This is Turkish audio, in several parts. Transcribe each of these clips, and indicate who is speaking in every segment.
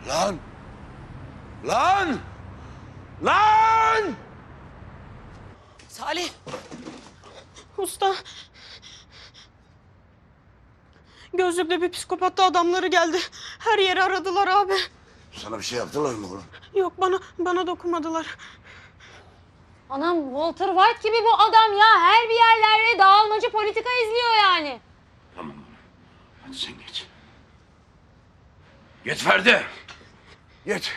Speaker 1: Lan! Lan! Lan!
Speaker 2: Salih!
Speaker 3: Usta. Gözlüklü bir psikopat da adamları geldi. Her yeri aradılar abi.
Speaker 1: Sana bir şey yaptılar mı oğlum?
Speaker 3: Yok bana dokunmadılar.
Speaker 4: Anam Walter White gibi bu adam ya. Her bir yerlerde dağılmacı politika izliyor yani.
Speaker 1: Tamam. Hadi sen geç. Geç Ferdi. Geç.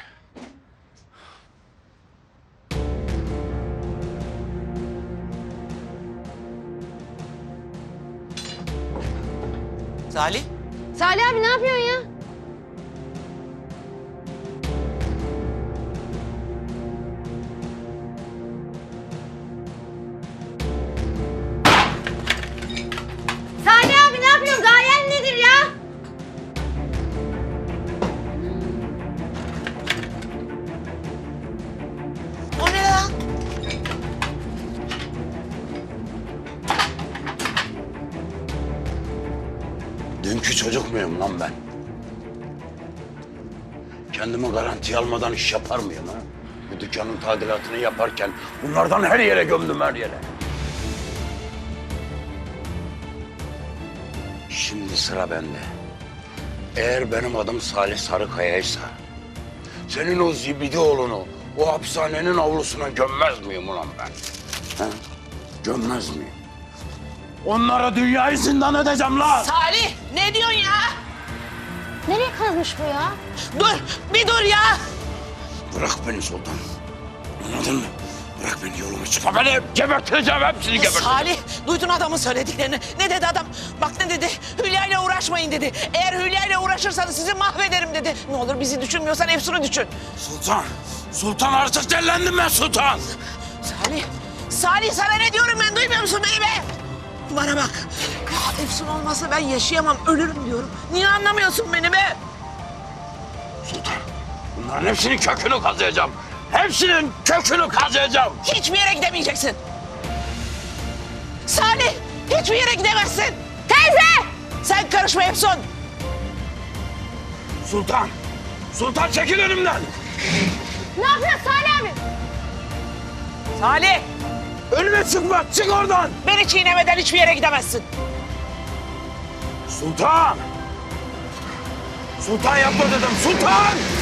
Speaker 2: Salih!
Speaker 4: Salih abi ne yapıyorsun ya? Salih abi ne yapıyorsun? Gayen nedir ya?
Speaker 2: O ne lan?
Speaker 1: Dünkü çocuk muyum lan ben? Kendimi garantiye almadan iş yapar mıyım ha? Bu dükkanın tadilatını yaparken bunlardan her yere gömdüm, her yere. Şimdi sıra bende. Eğer benim adım Salih Sarıkaya'ysa, senin o zibidi oğlunu o hapishanenin avlusuna gömmez miyim ulan ben? Ha? Gömmez miyim? Onlara dünyayı zindan edeceğim lan!
Speaker 2: Salih! Ne diyorsun ya?
Speaker 4: Nereye kazmış bu ya?
Speaker 2: Dur! Bir dur ya!
Speaker 1: Bırak beni Sultan. Anladın mı? Bırak beni, yoluma çıkma beni. Geberteceğim, hepsini geberteceğim.
Speaker 2: Salih! Duydun adamın söylediklerini. Ne dedi adam? Bak ne dedi? Hülya ile uğraşmayın dedi. Eğer Hülya ile uğraşırsanız sizi mahvederim dedi. Ne olur bizi düşünmüyorsan Efsun'u düşün.
Speaker 1: Sultan! Sultan artık dellendim ben Sultan!
Speaker 2: Salih! Salih sana ne diyorum ben, duymuyor musun beni be? Bana bak. Ya Efsun olmasa ben yaşayamam, ölürüm diyorum. Niye anlamıyorsun beni be?
Speaker 1: Sultan, bunların hepsinin kökünü kazıyacağım. Hepsinin kökünü kazıyacağım.
Speaker 2: Hiçbir yere gidemeyeceksin. Salih! Hiçbir yere gidemezsin. Teyze! Sen karışma Efsun.
Speaker 1: Sultan! Sultan çekil önümden!
Speaker 4: Ne yapıyorsun Salih abi?
Speaker 2: Salih!
Speaker 1: Önüme çıkma, çık oradan!
Speaker 2: Beni çiğnemeden hiçbir yere gidemezsin.
Speaker 1: Sultan! Sultan yapma dedim, Sultan!